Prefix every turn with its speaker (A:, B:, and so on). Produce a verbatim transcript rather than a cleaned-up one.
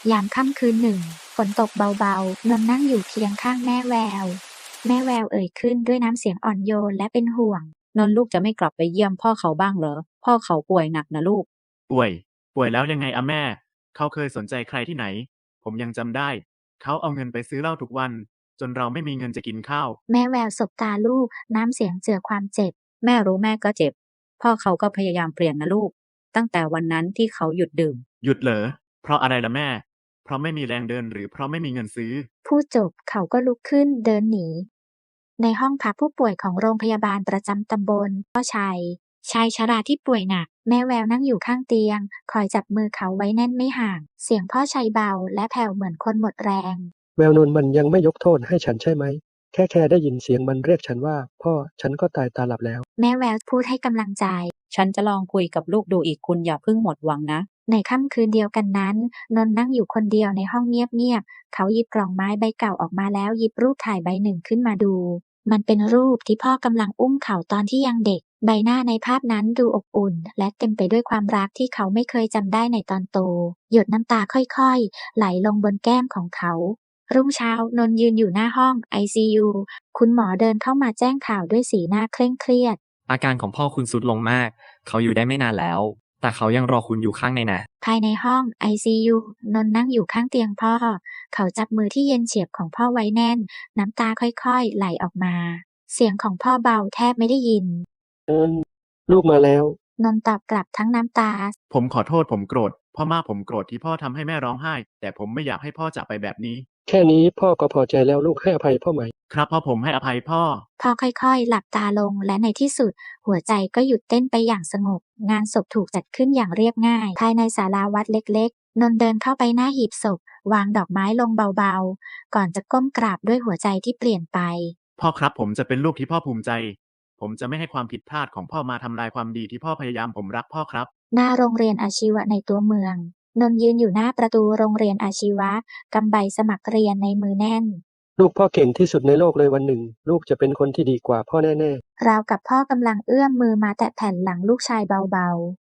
A: ยามค่ำคืนหนึ่งฝนตกเบาๆนนท์นั่งอยู่เคียงข้างแม่แววแม่แววเอ่ยขึ้นด้วยน้ำเสียงอ่อนโยนและเป็นห่วง
B: นนท์ลูกจะไม่กลับไปเยี่ยมพ่อเขาบ้างเหรอพ่อเขาป่วยหนักนะลูก
C: ป่วย ป่วยแล้วยังไงอะแม่ เขาเคยสนใจใครที่ไหน ผมยังจำได้ เขาเอาเงินไปซื้อเหล้าทุกวัน จนเราไม่มีเงินจะกินข้าว
A: แม่แววสบตาลูกน้ำเสียงเจือความเจ็บ
B: แม่รู้แม่ก็เจ็บพ่อเขาก็พยายามเปลี่ยนนะลูกตั้งแต่วันนั้นที่เขาหยุดดื่ม
C: หยุดเหรอ เพราะอะไรล่ะแม่ เพราะไม่มีแรงเดินหรือเพราะไม่มีเงินซื้อ
A: พูดจบเขาก็ลุกขึ้นเดินหนีในห้องพักผู้ป่วยของโรงพยาบาลประจำตำบลพ่อชัยชายชราที่ป่วยหนักแม่แววนั่งอยู่ข้างเตียงคอยจับมือเขาไว้แน่นไม่ห่างเสียงพ่อชัยเบาและแผ่วเหมือนคนหมดแรง
D: แววนนท์มันยังไม่ยกโทษให้ฉันใช่ไหมแค่แค่ได้ยินเสียงมันเรียกฉันว่าพ่อฉันก็ตายตาหลับแล้ว
A: แม่แววพูดให้กำลังใจ
B: ฉันจะลองคุยกับลูกดูอีกคุณอย่าเพิ่งหมดหวังนะ
A: ในค่ำคืนเดียวกันนั้นนนท์นั่งอยู่คนเดียวในห้องเงียบๆเขาหยิบกล่องไม้ใบเก่าออกมาแล้วหยิบรูปถ่ายใบหนึ่งขึ้นมาดูมันเป็นรูปที่พ่อกำลังอุ้มเขาตอนที่ยังเด็กใบหน้าในภาพนั้นดูอบอุ่นและเต็มไปด้วยความรักที่เขาไม่เคยจำได้ในตอนโตหยดน้ำตาค่อยๆไหลลงบนแก้มของเขารุ่งเช้านนท์ยืนอยู่หน้าห้อง ไอ ซี ยู คุณหมอเดินเข้ามาแจ้งข่าวด้วยสีหน้าเคร่งเครียด
E: อาการของพ่อคุณทรุดลงมากเขาอยู่ได้ไม่นานแล้วแต่เขายังรอคุณอยู่ข้างในนะ
A: ภายในห้อง ไอ ซี ยู นนท์นั่งอยู่ข้างเตียงพ่อเขาจับมือที่เย็นเฉียบของพ่อไว้แน่นน้ำตาค่อยๆไหลออกมาเสียงของพ่อเบาแทบไม่ได้ยิน
D: เอิ้นลูกมาแล้ว
A: นนท์ตอบกลับทั้งน้ำตา
C: ผมขอโทษผมโกรธ พ่อมากผมโกรธที่พ่อทำให้แม่ร้องไห้ แต่ผมไม่อยากให้พ่อจากไปแบบนี้
D: แค่นี้พ่อก็พอใจแล้วลูกให้อภัยพ่อไหม
C: ครับพ่อผมให้อภัยพ่อ
A: พ่อค่อยๆหลับตาลงและในที่สุดหัวใจก็หยุดเต้นไปอย่างสงบงานศพถูกจัดขึ้นอย่างเรียบง่ายภายในศาลาวัดเล็กๆนนท์เดินเข้าไปหน้าหีบศพวางดอกไม้ลงเบาๆก่อนจะก้มกราบด้วยหัวใจที่เปลี่ยนไป
C: พ่อครับผมจะเป็นลูกที่พ่อภูมิใจ ผมจะไม่ให้ความผิดพลาดของพ่อมาทำลายความดีที่พ่อพยายามผมรักพ่อครับ
A: หน้าโรงเรียนอาชีวะในตัวเมืองนนท์ยืนอยู่หน้าประตูโรงเรียนอาชีวะกำใบสมัครเรียนในมือแน่น
D: ลูกพ่อเก่งที่สุดในโลกเลยวันหนึ่งลูกจะเป็นคนที่ดีกว่าพ่อแน่
A: ราวกับพ่อกำลังเอื้อมมือมาแตะแผ่นหลังลูกชายเบาๆ